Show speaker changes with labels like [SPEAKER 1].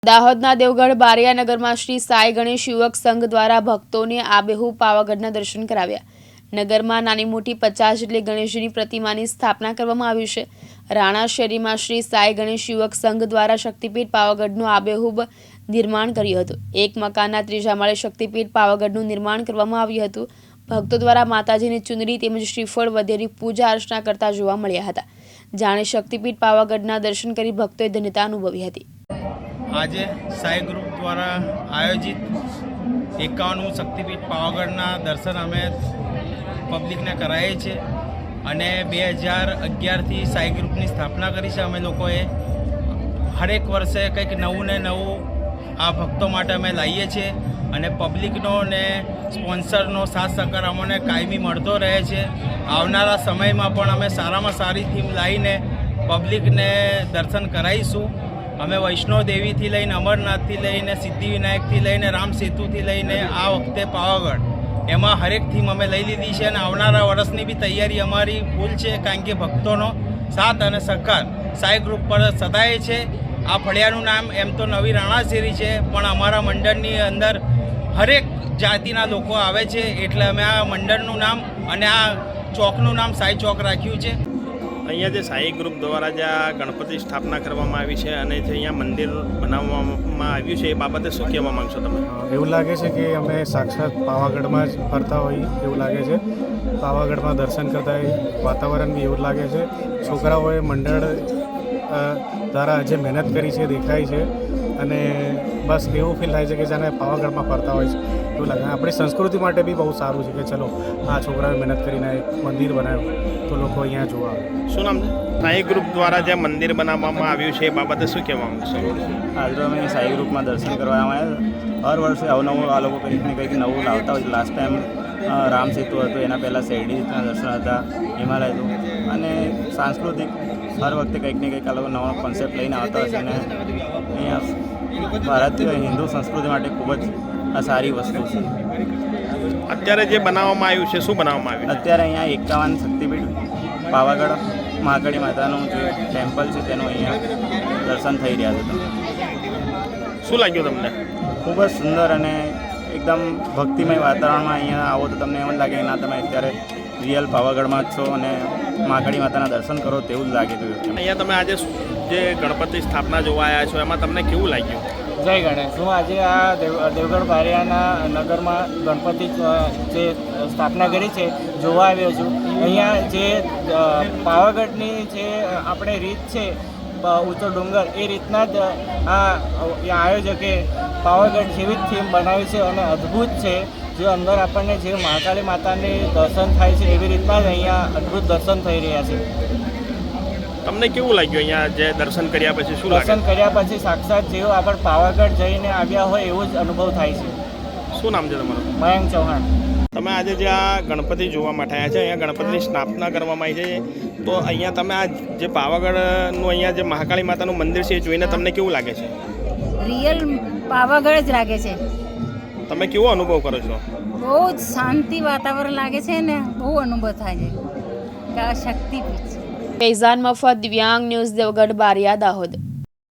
[SPEAKER 1] દાહોદના દેવગઢ બારિયા નગરમાં શ્રી સાઈ ગણેશ યુવક સંઘ દ્વારા ભક્તોને આબેહૂબ પાવાગઢના દર્શન કરાવ્યા. નગરમાં નાની મોટી 50 જેટલી ગણેશજીની પ્રતિમાની સ્થાપના કરવામાં આવી છે. રાણા શેરીમાં શ્રી સાઈ ગણેશ યુવક સંઘ દ્વારા શક્તિપીઠ પાવાગઢનું આબેહૂબ નિર્માણ કર્યું હતું. એક મકાનના ત્રીજા માળે શક્તિપીઠ પાવાગઢનું નિર્માણ કરવામાં આવ્યું હતું. ભક્તો દ્વારા માતાજીની ચુંદડી તેમજ શ્રીફળ વગેરે પૂજા અર્ચના કરતા જોવા મળ્યા હતા. જાણે શક્તિપીઠ પાવાગઢના દર્શન કરી ભક્તોએ ધન્યતા અનુભવી હતી.
[SPEAKER 2] આજે સાઈ ગ્રુપ દ્વારા આયોજિત 51મું શક્તિપીઠ પાવાગઢના દર્શન અમે પબ્લિકને કરાવીએ છીએ અને 2011થી સાઈ ગ્રુપની સ્થાપના કરી છે. અમે લોકોએ હરેક વર્ષે કંઈક નવું ને નવું આ ભક્તો માટે અમે લાવીએ છીએ અને પબ્લિકનો ને સ્પોન્સરનો સાથ સહકાર અમને કાયમી મળતો રહે છે. આવનારા સમયમાં પણ અમે સારામાં સારી થીમ લાવીને પબ્લિકને દર્શન કરાવીશું. અમે વૈષ્ણો દેવીથી લઈને અમરનાથથી લઈને સિદ્ધિવિનાયકથી લઈને રામ સેતુથી લઈને આ વખતે પાવાગઢ એમાં હરેક થીમ અમે લઈ લીધી છે અને આવનારા વર્ષની બી તૈયારી અમારી ફૂલ છે, કારણ કે ભક્તોનો સાથ અને સહકાર સાઈ ગ્રુપ પર સદાય છે. આ ફળિયાનું નામ એમ તો નવી રાણા શેરી છે, પણ અમારા મંડળની અંદર હરેક જાતિના લોકો આવે છે, એટલે અમે આ મંડળનું નામ અને આ ચોકનું નામ સાઈ ચોક રાખ્યું છે.
[SPEAKER 3] અહીંયા જે સાઈ ગ્રુપ દ્વારા જે આ ગણપતિ સ્થાપના કરવામાં આવી છે અને જે અહીંયા મંદિર બનાવવામાં આવ્યું છે એ બાબતે શું કહેવા માંગશો તમે?
[SPEAKER 4] એવું લાગે છે કે અમે સાક્ષાત પાવાગઢમાં જ ફરતા હોઈએ એવું લાગે છે. પાવાગઢમાં દર્શન કરતા વાતાવરણ બી એવું લાગે છે. છોકરાઓએ મંડળ દ્વારા જે મહેનત કરી છે દેખાય છે અને બસ એવું ફીલ થાય છે કે જાણે પાવાગઢમાં ફરતા હોય છે એવું લાગે. આપણી સંસ્કૃતિ માટે બી બહુ સારું છે કે ચલો આ છોકરાઓએ મહેનત કરીને એક મંદિર બનાવ્યું તો લોકો અહીંયા જોવા આવે.
[SPEAKER 3] શું નામ છે? સાઈ ગ્રુપ દ્વારા જે મંદિર બનાવવામાં આવ્યું છે એ બાબતે શું કહેવા માંગશો?
[SPEAKER 5] આજે અમે સાઈ ગ્રુપમાં દર્શન કરવામાં આવ્યા. હર વર્ષે અવનવું આ લોકો કંઈક ને કંઈક નવું લાવતા હોય છે. લાસ્ટ ટાઈમ રામ સેતુ હતું, એના પહેલાં શેરડીના દર્શન હતા, હિમાલય હતું અને સાંસ્કૃતિક હર વખતે કંઈક ને કંઈક આ લોકો નવો કોન્સેપ્ટ લઈને આવતા હોય છે અને અહીંયા ભારતીય હિન્દુ સંસ્કૃતિ માટે ખૂબ જ આ સારી વસ્તુ છે.
[SPEAKER 3] અત્યારે જે બનાવવામાં આવ્યું છે શું બનાવવામાં આવ્યું?
[SPEAKER 5] અત્યારે અહીંયા 51 શક્તિપીઠ પાવાગઢ મહાકાળી માતાનું જે ટેમ્પલ છે તેનું અહીંયા દર્શન થઈ રહ્યા છે. તમને
[SPEAKER 3] શું લાગ્યું તમને?
[SPEAKER 5] ખૂબ જ સુંદર અને એકદમ ભક્તિમય વાતાવરણમાં અહીંયા આવો તો તમને એમ જ લાગે કે ના તમે અત્યારે રિયલ પાવાગઢમાં જ છો અને મહાકાળી માતાના દર્શન કરો તેવું જ લાગી રહ્યું છે.
[SPEAKER 3] અહીંયા તમે આજે જે ગણપતિ સ્થાપના જોવા આવ્યા છો એમાં તમને કેવું લાગ્યું?
[SPEAKER 6] જય ગણેશ. હું આજે આ દેવગઢ બારિયાના નગરમાં ગણપતિ જે સ્થાપના કરી છે જોવા આવ્યો છું. અહીંયા જે પાવાગઢની જે આપણે રીત છે ઊંચો ડુંગર એ રીતના જ આ આયોજકે પાવાગઢ જેવી જ થીમ બનાવી છે અને અદ્ભુત છે. જે અંદર આપણને જે મહાકાળી માતાની દર્શન થાય છે એવી રીતના જ અહીંયા અદ્ભુત દર્શન થઈ રહ્યા છે.
[SPEAKER 3] તમને કેવું લાગ્યું અહીંયા જે દર્શન કર્યા પછી? શું
[SPEAKER 6] દર્શન કર્યા પછી સાક્ષાત જેવો આપણે પાવાગઢ જઈને આવ્યા હોય એવો જ અનુભવ થાય છે.
[SPEAKER 3] શું નામ છે તમારું?
[SPEAKER 6] મયંક ચૌહાણ.
[SPEAKER 3] તમે આજે જે આ ગણપતિ જોવા માટે આવ્યા છે, અહીંયા ગણપતિની સ્થાપના કરવામાં આવી છે, તો અહીંયા તમે આ જે પાવાગઢનું અહીંયા જે મહાકાળી માતાનું મંદિર છે એ જોઈને તમને કેવું લાગે છે?
[SPEAKER 7] રિયલ પાવાગઢ જ લાગે છે.
[SPEAKER 3] તમે કેવો અનુભવ કરો છો?
[SPEAKER 7] બહુ જ શાંતિ વાતાવરણ લાગે છે ને બહુ અનુભવ થાય છે કે આ શક્તિપીઠ છે.
[SPEAKER 1] ફૈઝાન મફત, દિવ્યાંગ ન્યૂઝ, દેવગઢ બારિયા, દાહોદ.